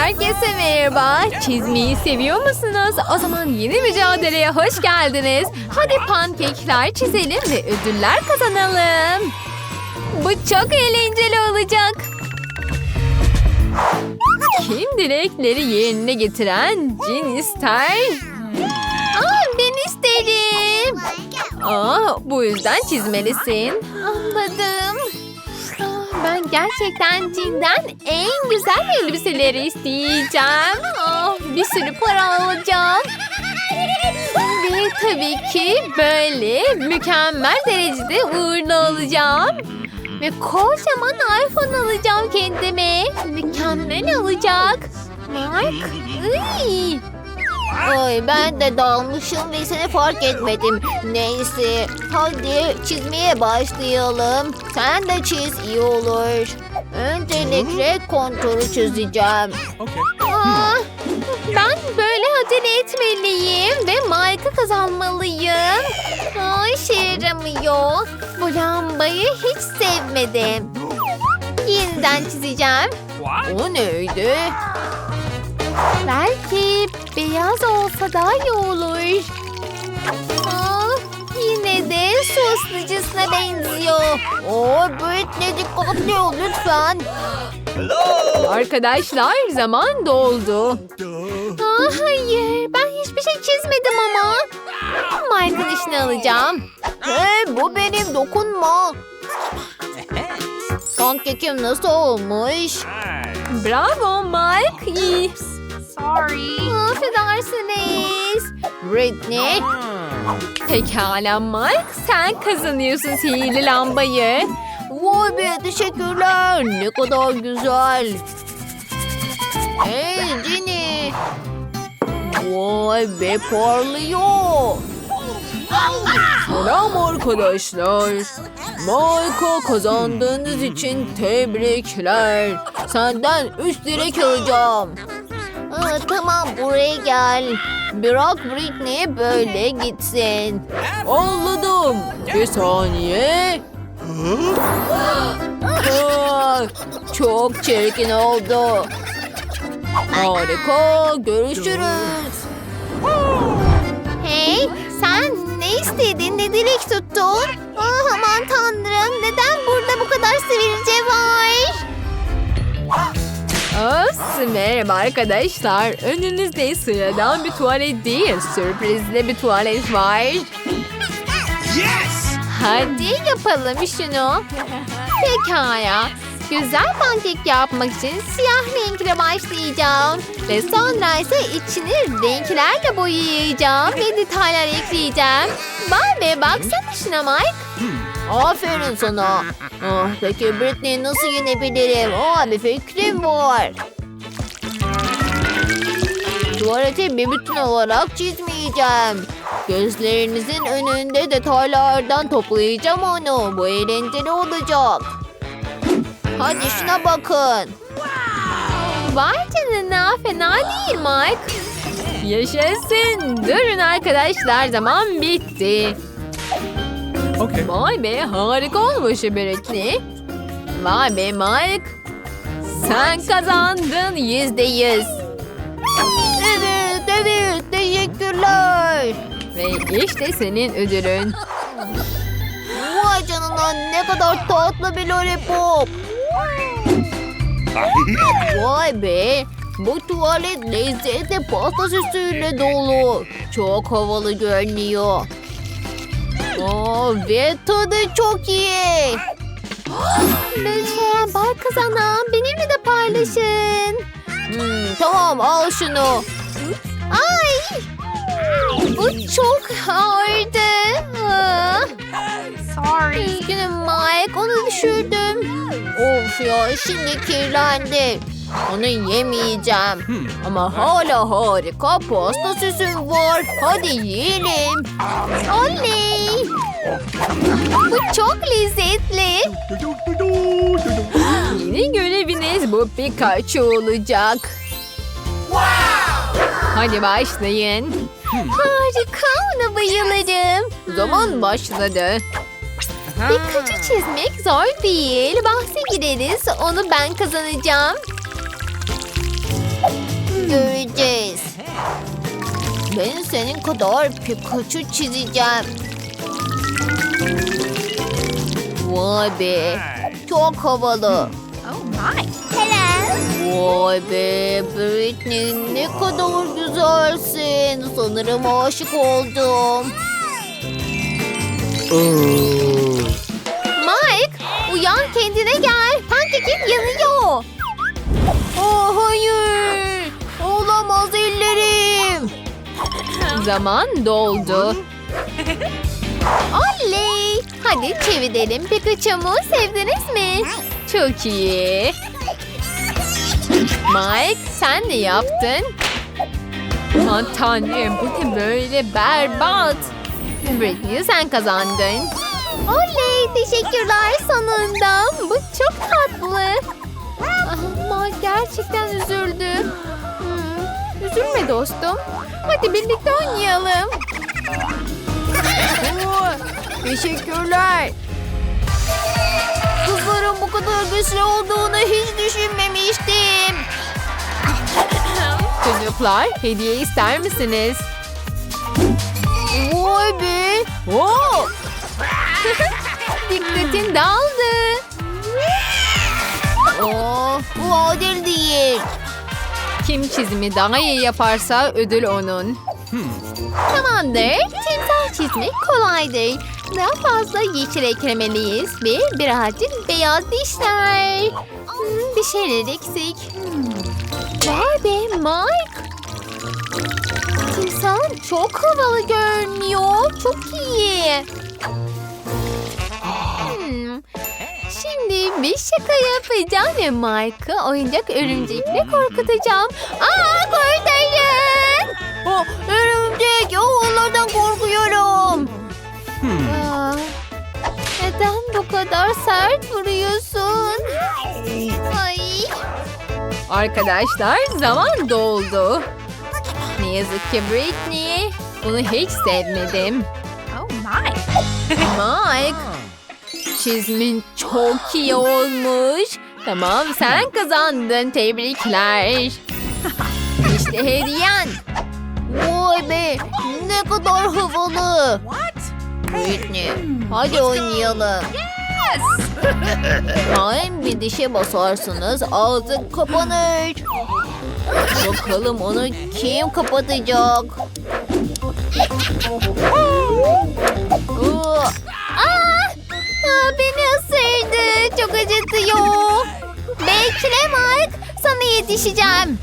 Herkese merhaba. Çizmeyi seviyor musunuz? O zaman yeni mücadeleye hoş geldiniz. Hadi pankekler çizelim ve ödüller kazanalım. Bu çok eğlenceli olacak. Kim dilekleri yerine getiren cin ister? Ben isterim. Bu yüzden çizmelisin. Anladım. Ben gerçekten cinden en güzel elbiseleri isteyeceğim. Bir sürü para alacağım. Ve tabii ki böyle mükemmel derecede uğurlu olacağım. Ve kocaman iPhone alacağım kendime. Mükemmel olacak. Mark. Iy. Ay ben de dalmışım ve seni fark etmedim. Neyse hadi çizmeye başlayalım. Sen de çiz iyi olur. Öncelikle konturu çizeceğim. Ben böyle acele etmeliyim ve Mike'ı kazanmalıyım. İşe yaramıyor. Bu lambayı hiç sevmedim. Yeniden çizeceğim. O neydi? Belki beyaz olsa daha iyi olur. Yine de su ısıtıcısına benziyor. Britney dikkatli ol lütfen. Arkadaşlar zaman doldu. Hayır ben hiçbir şey çizmedim ama. Mike'ın işini alacağım. Hey bu benim dokunma. Pankekim nasıl olmuş? Bravo Mike. İyi. Sorry. Affedersiniz. Britney. Pekala Mike sen kazanıyorsun sihirli lambayı. Vay be teşekkürler. Ne kadar güzel. Hey Jenny. Vay be parlıyor. Selam arkadaşlar. Mike'a kazandığınız için tebrikler. Senden 3 direk alacağım. Tamam buraya gel. Bırak Britney böyle gitsin. Anladım. Bir saniye. Çok çirkin oldu. Harika. Görüşürüz. Hey sen ne istedin ne dilek tuttun? Aman tanrım neden burada bu kadar sivilce var? Merhaba arkadaşlar. Önünüzde sıradan bir tuvalet değil, sürprizli bir tuvalet var. Yes! Hadi yapalım şunu. Pekala. Güzel pankek yapmak için siyah renkle başlayacağım. Ve sonra ise içini renklerle boyayacağım ve detaylar ekleyeceğim. Vay be baksana şuna Mike. Aferin sana. Peki Britney'i nasıl yenebilirim? Bir fikrim var. Tuvaleti bir bütün olarak çizmeyeceğim. Gözlerinizin önünde detaylardan toplayacağım onu. Bu eğlenceli olacak. Hadi şuna bakın. Vay canına fena değil Mike. Yaşasın. Durun arkadaşlar zaman bitti. Okay. Vay be harika olmuş Britney. Vay be Mike. Sen kazandın %100. Evet teşekkürler. Ve işte senin ödülün. Vay canına ne kadar tatlı bir lollipop. Vay be. Bu tuvalet lezzetli pasta süsüyle dolu. Çok havalı görünüyor. Ve tadı çok iyi. Lütfen bak kazanan benimle de paylaşın. Tamam al şunu. Ay! Bu çok ağırdı. Sorry. Üzgünüm Mike onu düşürdüm. Of ya şimdi kirlendi. Onu yemeyeceğim. Ama hala harika pasta süsüm var. Hadi yiyelim. Oley! Bu çok lezzetli. Yeni göreviniz bu Pikachu olacak. Hadi başlayın. Harika ona bayılırım. Zaman başladı. Pikachu çizmek zor değil. Bahse gireriz. Onu ben kazanacağım. göreceğiz. Ben senin kadar Pikachu çizeceğim. Vay be. Çok havalı. Oh my. Vay be Britney, ne kadar güzelsin. Sanırım aşık oldum. Mike, uyan, kendine gel. Pankekin yanıyor. Oh hayır. Olamaz ellerim. Zaman doldu. Oley! Hadi çevirelim. Pikachu'mu sevdiniz mi? Çok iyi. Mike, sen ne yaptın? Aman tanrım, bu ne böyle berbat. Britney, sen kazandın. Oley, teşekkürler sonunda. Bu çok tatlı. Ama gerçekten üzüldü. Üzülme dostum. Hadi birlikte oynayalım. Teşekkürler. Kızların bu kadar güçlü olduğunu hiç düşünmemiştim. Çocuklar, hediye ister misiniz? Vay be. Oo! Dikkatin dağıldı. Bu adil değil. Kim çizimi daha iyi yaparsa ödül onun. Tamamdır. Timsah çizmek kolaydır. Daha fazla yeşil eklemeliyiz ve birazcık beyaz dişler. Bir şeyler eksik. Vay be Mike. Timsah çok havalı görünüyor. Çok iyi. Şimdi bir şaka yapacağım ve Mike'ı oyuncak örümcekle korkutacağım. Aa, kurtarın! Örümcek. Onlardan korkuyorum. Neden bu kadar sert vuruyorsun? Ay. Arkadaşlar, zaman doldu. Ne yazık ki Britney. Bunu hiç sevmedim. Oh my. Mike, çizmin çok iyi olmuş. Tamam, sen kazandın. Tebrikler. İşte hediyen. Vay be. Ne kadar havalı. What? Britney, hadi oynayalım. Hain bir dişe basarsanız ağzın kapanır. Bakalım onu kim kapatacak? Beni ısırdı. Çok acıtıyor. Bekle Mike. Sana yetişeceğim.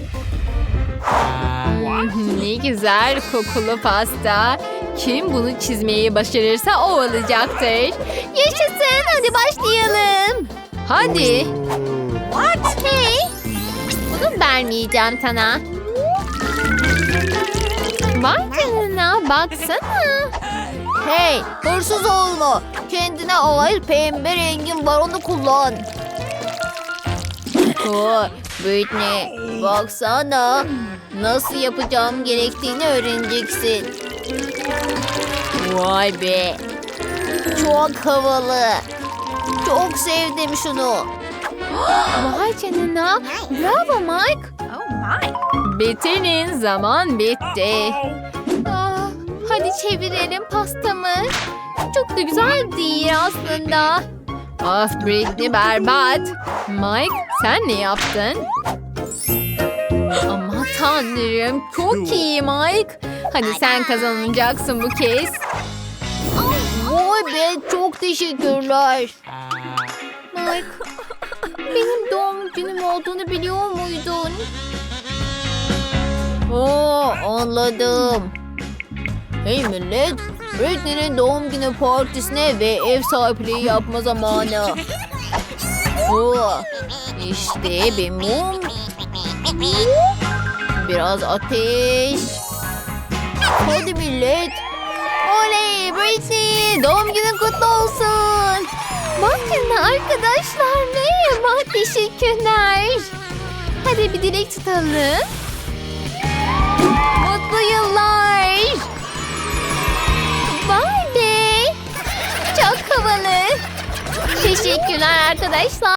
Ne güzel kokulu pasta. Kim bunu çizmeyi başarırsa o olacaktır. Yaşasın. Hadi başlayalım. Hadi. What? Hey. Bunu vermeyeceğim sana. Vay canına, baksana. Hey, hırsız olma. Kendine ait pembe rengin var, onu kullan. Britney, baksana. Nasıl yapacağım gerektiğini öğreneceksin. Vay be. Çok havalı. Çok sevdim şunu. Vay canına. Bravo Mike. Oh my. Bitirin, zaman bitti. Hadi çevirelim pastamı. Çok da güzel değil aslında. Ah Britney, berbat. Mike, sen ne yaptın? Aman tanrım, çok iyi Mike. Hadi sen kazanacaksın bu kez. Vay be, çok teşekkürler. Mike, benim doğum günüm olduğunu biliyor muydun? Anladım. Hey millet, Britney'nin doğum günü partisine ve ev sahipliği yapma zamanı. İşte bir mum. Biraz ateş. Hadi millet. Oley Britney, doğum günün kutlu olsun. Bakın arkadaşlar, merhaba, teşekkürler. Hadi bir dilek tutalım. Mutlu yıllar. Vay be. Çok havalı. Teşekkürler arkadaşlar.